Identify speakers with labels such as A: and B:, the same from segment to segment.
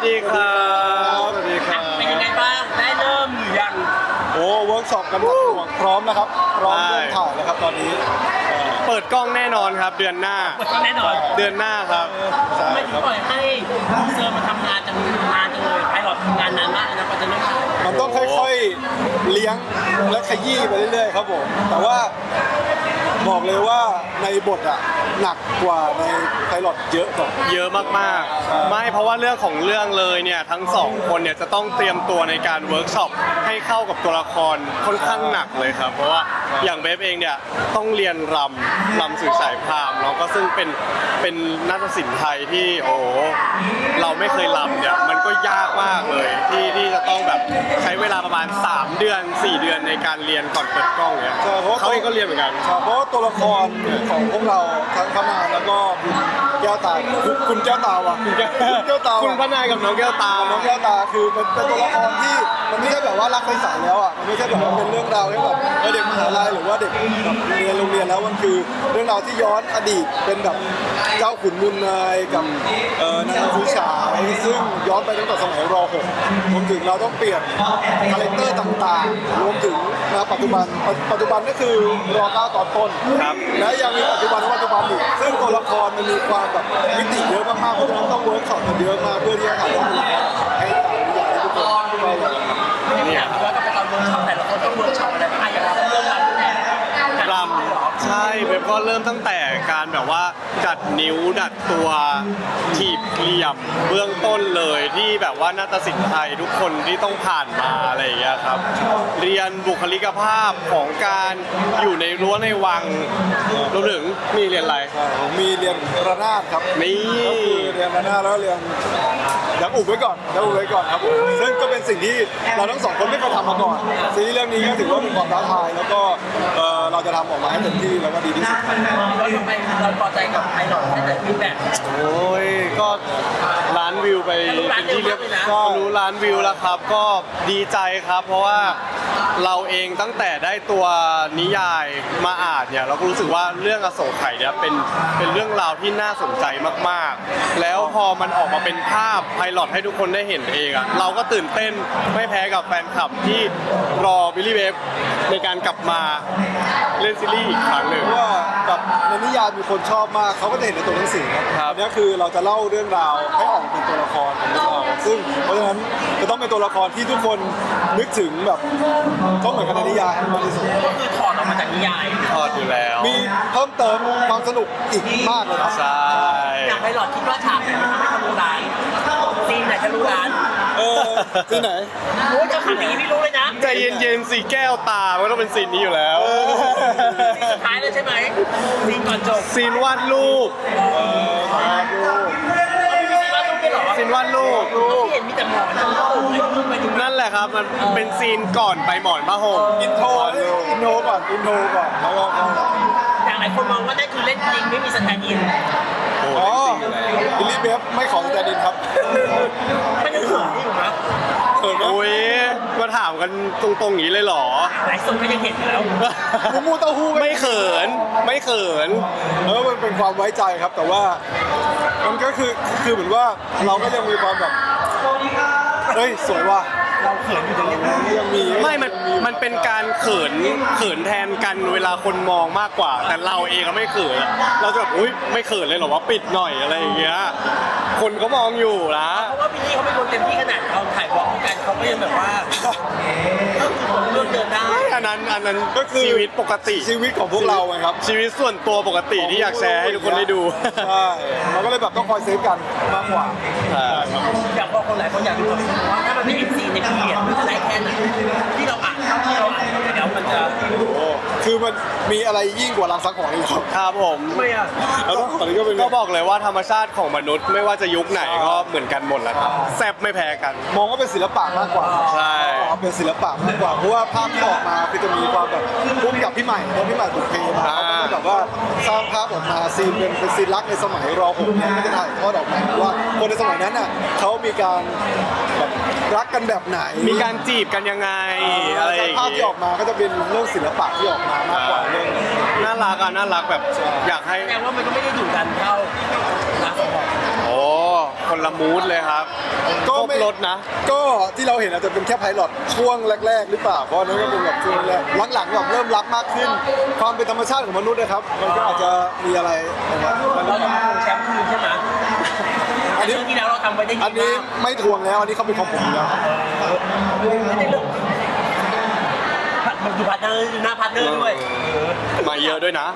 A: ดีครับสวัสดีครับ
B: เป็นยังไงบ้างได้เริ่มหรือยัง
C: โอ้เวิร์กช็อปกันหนักหน่วงพร้อมนะครับพร้อมเริ่มถ่ายแล้วครับตอนนี้
A: เปิดกล้องแน่นอนครับเดือนหน้า
B: แน่นอน
A: เดือนหน้าครับใช่
B: ไม่ถึ
A: ค
B: ง
A: รับ
B: ปล่อยให้เซอร์มาทำงานจังเลยไพลอตทำงานนานมากนะกว่าจะเริ่มถ่าย
C: มันต้องค่อยๆเลี้ยงและขยี้ไปเรื่อยๆครับผมแต่ว่าบอกเลยว่าในบทอะหนักกว่าในไพลอตเยอะกว่า
A: เยอะมากๆไม่เพราะว่าเรื่องของเรื่องเลยเนี่ยทั้งสองคนเนี่ยจะต้องเตรียมตัวในการเวิร์กช็อปให้เข้ากับตัวละครค่อนข้างหนักเลยครับเพราะว่าอย่างเบฟเองเนี่ยต้องเรียนรำสื่อสายพราหมณ์เนาะก็ซึ่งเป็นนาฏศิลป์ไทยที่โอ้โหเราไม่เคยรำเนี่ยมันก็ยากมากเลยที่จะต้องแบบใช้เวลาประมาณ3เดือน4 เดือนในการเรียนก่อนเปิดกล้องเนี่ย
C: ใช่เพราะว่า
A: เขาเองก็เรียนเหมือนกัน
C: ใช่เพราะว่าตัวละครของพวกเราทั้งพระนางแล้วก็คุณแก้วตาคุณแก้วตาว่ะคุณแก้วตา
A: คุณพระนายกับน้องแก้วตา
C: น้องแก้วตาคือเป็นตัวละครที่มันไม่ใช่แบบว่ารักใสๆแล้วอ่ะมันไม่ใช่แบบว่าเป็นเรื่องราวที่แบบเด็กมหาลัยหรือว่าเด็กแบบเรียนโรงเรียนแล้วมันคือเรื่องราวที่ย้อนอดีตเป็นแบบเจ้าขุนมูลนายกับนางผู้ชายซึ่งย้อนไปตั้งแต่สมัยร .6 รวมถึงเราต้องเปลี่ยนคาแรคเตอร์ต่างๆรวมถึงนะปัจจุบันก็คือรอ9ตอนต้น
A: ครับ
C: และยังมีปัจจุบันอีกซึ่งตัวละครมันมีความแบบมิติเยอะมากๆเพราะฉะนั้นต้องเวิร์กช็อปกันเยอะมากเพื่อที่จะถ่ายทอดตัวละครให้ตามนิยายที่ทุกคนก็เลย
B: ไม่อยากรู้ว่าก็ไปตอนเวิร์กช็อปแต่ละคนต้องเวิร์กช็อปอะไรบ้างอย่างเราต้องเริ่มรำแต่
A: รำใช่เว็บก็เริ่มตั้งแต่การแบบว่าดัดนิ้วดัดตัวถีบเหลี่ยมเบื้องต้นเลยที่แบบว่านาฏศิลป์ไทยทุกคนที่ต้องผ่านมาอะไรอย่างเงี้ยครับเรียนบุคลิกภาพของการอยู่ในรั้วในวังรวมถึงมีเรียนอะไร
C: ผมมีเรียนระนาดครับ
A: นี่
C: ก็คือเรียนระนาดแล้วเรียนดักอุบไว้ก่อนครับผมซึ่งก็เป็นสิ่งที่เราทั้งสองคนไม่เคยทำมาก่อนซีรีส์เรื่องนี้ก็ถือว่าเป็นความท้าทายแล้วก็เราจะทำออกมาให้เต็มที่แล้วก็ดีที่สุดครับ
B: เราทำไมเราพอใจกับไพลอตแต่ฟีดแบ็ก
A: โอ้ยก็ล้านวิวไปเป็นที่เรียบ
B: ก็
A: รู้ล้านวิวแล้วครับก็ดีใจครับเพราะว่าเราเองตั้งแต่ได้ตัวนิยายมาอ่านเนี่ยเราก็รู้สึกว่าเรื่องอโศกไข่เนี่ยเป็นเรื่องราวที่น่าสนใจมากๆ แล้วพอมันออกมาเป็นภาพไพลอตให้ทุกคนได้เห็นเองอะเราก็ตื่นเต้นไม่แพ้กับแฟนคลับที่รอบิลลี่เวฟในการกลับมาเล่นซีรีส์อีกครั้งหนึ่ง
C: เพราะว่าแบบในนิยายมีคนชอบมากเขาก็จะเห็นในตัวหนังสือครับ
A: ครับ
C: อันนี้คือเราจะเล่าเรื่องราวให้ออกเป็นตัวละครของเราซึ่งเพราะฉะนั้นจะต้องเป็นตัวละครที่ทุกคนนึกถึงแบบต้องเหมือนกันในนิยายให้มากที่สุด
B: ก็คือถอดออกมาจากนิยาย
A: ทอดอยู่แล้ว
C: มีเพิ่มเติมความสนุกอีกมากเลยครับ
A: ใช่
B: อย่างไพลอตคิดว่าฉากไหนมันทำให้ทะลุล้านซีนไหนทะลุล้าน
C: ที่ไหน
B: โอ้ยจะขนาดนี้ไม่รู้เลยนะ
A: ใจเย็นๆสิแก้วตามันต้องเป็นซีนนี้อยู่แล้ว
B: ซีนสุดท้ายแล้วใช่ไหมซีนก่อนจบ
A: ซีนวาดรูป
B: มีซีนว่าต้องเป็นหรอ
A: ซีนวาดรูป
B: ที่เห็นมีแต่หมอนทั้งโลกเลยไปดู
A: นั่นแหละครับมันเป็นซีนก่อนไปหมอนผ้าห่ม
C: อินโทรก่อนแล้วก็
B: อย่างหลายคนมองว่านั่นคือเล่นจริงไม่มีสแตนด์อิน
C: อ๋อบิลลี่เบฟไม่ของแต่ดินครับ
B: มันยังเขินอยู่นะ
C: เขินไหม
A: โอ้ยมาถามกันตรงๆอย่างนี้เลยเหรอ
B: หลายคนก็ยังเห็นอยู่แล้ว
C: มูเต้าหู้
A: ไม่เขินไม่เขิน
C: มันเป็นความไว้ใจครับ แต่ว่ามันก็คือเหมือนว่าเราก็ยังมีความแบบเฮ้ยสวยว่ะ
B: เราเขินอยู่ตรงนี้
C: ยังมี
A: ไม่มันเป็นการเขินแทนกันเวลาคนมองมากกว่า แต่เราเองก็ไม่เขินเราจะแบบอุ้ยไม่เขินเลยเหรอว่าปิดหน่อยอะไรอย่างเงี้ยคนก็มองอยู่นะ
B: เพราะว่าพี่นี่เขาเป็นคนเต็มที่ขนาดเราถ่ายวอล์กกันเขาก็ยังแบบว่าก็คือเรื่องเดินได้
A: อันนั้น
C: ก็คือ
A: ชีวิตปกติ
C: ชีวิตของพวกเราไงครับ
A: ชีวิตส่วนตัวปกติที่อยากแชร์ให้ทุกคนได้ดู
C: ใช่เราก็เลยแบบต้องคอยเซฟกันมากกว่า
B: อยากบอกคนหลายคนอยากรู้ว่าถ้ามันไม่มีซีนในพีเรียดมันจะได้แค่ไหนที่เราอ่านเท่าที่เราอ่านแล้วมันจะ
C: คือมันมีอะไรยิ่งกว่ารังสังหรณ์อีกครับ
A: ครับผม
B: ไม่อะ
C: แล้วตอนนี้ก็เป็น
A: ก็บอกเลยว่าธรรมชาติของมนุษย์ไม่ว่าจะยุคไหนก็เหมือนกันหมดแหล้วครับแซบไม่แพ้กัน
C: มองว่าเป็นศิลปะมากกว่า
A: ใช่
C: เป็นศิลปะมากกว่าเพราะว่าภาพที่ออกมาคือจะมีความแบบพุ่งกับพี่ใหม่เพราะพี่ใหม่บุกเพมาเขาก็จะแบบว่าสร้างภาพออกมาซีนเป็นซีนรักในสมัยร .6 เนี่ยก็จะถ่ายทอดออกมาว่าคนในสมัยนั้นน่ะเขามีการแบบรักกันแบบไหน
A: มีการจีบกันยังไงอะไรอย่าง
C: ภาพ
A: งี้
C: ที่ออกมาก็จะเป็นเรื่องศิลปะที่ออกมามากกว่าเรื่อง
A: น่ารักอ่ะน่ารักแบบอยากให้
B: แสดงว่ามันก็ไม่ได้ดุดันเท่ารักของเรา
A: โอ้คนละมูดเลยครับครบรถนะ
C: ก็ที่เราเห็นอาจจะเป็นแค่ไพลอตช่วงแรก ๆ หรือเปล่าเพราะอันนั้นก็เป็นแบบช่วงแรกหลังๆแบบเริ่มรักมากขึ้น ความเป็นธรรมชาติของมนุษย์นะครับมันก็อาจจะมีอะไรนะครับ
B: เราจะมาทวงแชมป์คืนใช่ไหม
C: อันนี้
B: เรื่องที่แล้วเราทำไว้ได้ดี
C: อันนี้
B: มาก
C: ไม่ทวงแล้วอันนี้เขาเป็นของผมอยู่แล้วครับ
B: ไม่ได้เรื่องมันอยู่พาร์ทเนอร์อยู่หน้าพาร์ทเนอร์ด้วย
A: มาเยอะด้วยนะ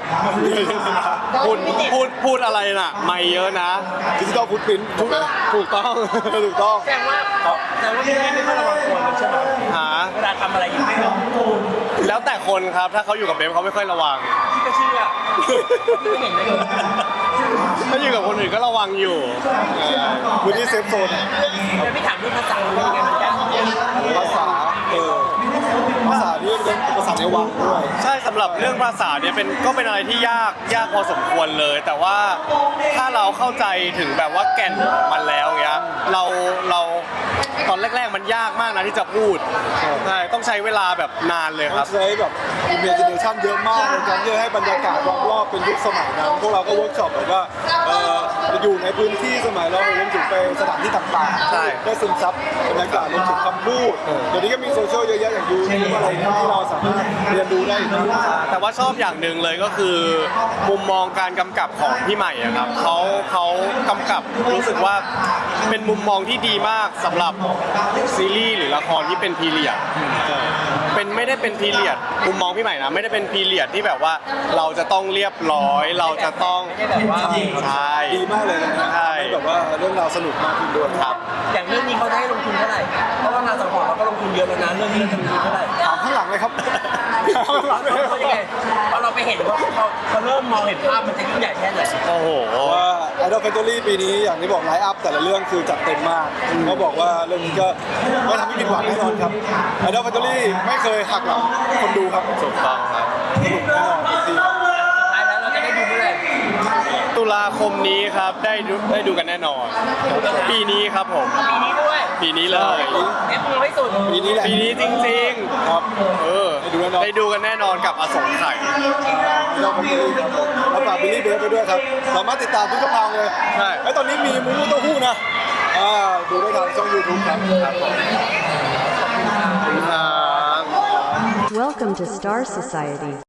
A: พูดอะไรน่ะไม่เยอะนะ
C: ดิจิตอลฟุตพิ้นถูกไหม
A: ถูกต้อง
C: ถูกต้อง
B: แสดงว่าพี่ไม่ค่อยระวังตัวเลยใช่ไหม
A: หา
B: เวลาทำอะไรอย่างนี้
A: แล้วแต่คนครับถ้าเขาอยู่กับเบฟเขาไม่ค่อยระวัง
B: พี่ก็เชื่อพี่ไม่เห็นเลย
A: ถ้าอยู่กับคนอื่นก็ระวังอยู่
C: พื้นที่เซฟโซน
B: แต่พี่ถามเรื่องภาษาเป็นยังไงมันยากไหม
C: ภาษาภาษานี่เป็นภาษาในวังด้วย
A: ใช่สำหรับเรื่องภาษาเนี่ยก็เป็นอะไรที่ยากพอสมควรเลย แต่ว่าถ้าเราเข้าใจถึงแบบว่าแก่นของมันแล้วเงี้ยเราตอนแรกๆมันยากมากนะที่จะพูดใช่ต้องใช้เวลาแบบนานเลยค
C: ต้อ
A: รับ
C: งใช้แบบ imagination เยอะมากในการที่จะให้บรรยากาศรอบๆเป็นยุคสมัยนั้นพวกเราก็เวิร์กช็อปแบบว่าอยู่ในพื้นที่สมัยเรารวมถึงไปสถานที่ต่างๆ
A: ใช่
C: ได้ซึมซับบรรยากาศรวมถึงคำพูดเดี๋ยวนี้ก็มีโซเชียลเยอะแยะอย่างยูทูบอะไรที่เราสามารถเรียนรู้ได้อีกที
A: แต่ว่าชอบอย่างหนึ่งเลยก็คือ มุมมองการกำกับของพี่ใหม่อะครับเขากำกับรู้สึกว่าเป็นมุมมองที่ดีมากสำหรับซีรีส์หรือละครที่เป็นพีเรียดไม่ได้เป็นพีเรียดมุมมองพี่ใหม่นะไม่ได้เป็นพีเรียดที่แบบว่าเราจะต้องเรียบร้อยเราจะต้อง
B: ไม่ได้แบบว่า
A: ใช่
C: ดีมากเลยนะ
A: ใช่
C: ให้แบบว่าเรื่องราวสนุกมากขึ้นด้วย
A: ครับ
B: อย่างเรื่องนี้เขาได้ลงทุนเท่าไหร่เพราะว่างานสังหรณ์เราก็ลงทุนเยอะแล้วนะเรื่องนี้เราจะลงทุนเท่าไหร่
C: ถามข้างหลังเลยครับถามข้างหลังเลย
B: เขายังไงพอเราไปเห็นว่าเขาเริ่มมองเห็นภาพมันจะยิ่งใหญ่แค่ไหน
A: โอ้โห
C: ว่าไอดอลแฟนตอรี่ปีนี้อย่างที่บอกไลฟ์อัพแต่ละเรื่องคือจัดเต็มมากเขาบอกว่าเรื่องนี้ก็ไม่ทำให้ผิดหวังแน่นอนครับไอดอลแฟนตอรี่ไม่เคยหักหลังคนดูครับ
A: ถูกต้องครับ
C: สนุกแน่นอนจริง
B: สุดท้ายแล้วเราจะได้ดูเมื่อไหร่
A: ตุลาคมนี้ครับได้ดูกันแน่นอน ปีนี้ครับผม
B: ปีนี้ด้วย
A: ปีนี้เลย
B: เอฟมือให้สุด
C: ๆปีนี้แหละ
A: ปีนี้จริง
C: ครับ
A: ๆได้ดูกันแน่นอนกับอสงไขย
C: ไอดอลแฟนตอรี่ครับแล้วฝากบิลลี่เบฟไปด้วยครับสามารถติดตามทุกช่องทางเลย
A: ใช่
C: ไอตอนนี้มีมูมูเต้าหู้นะดูได้ทางช่อง YouTube ครับ
A: ครับ
D: Welcome to Star Society.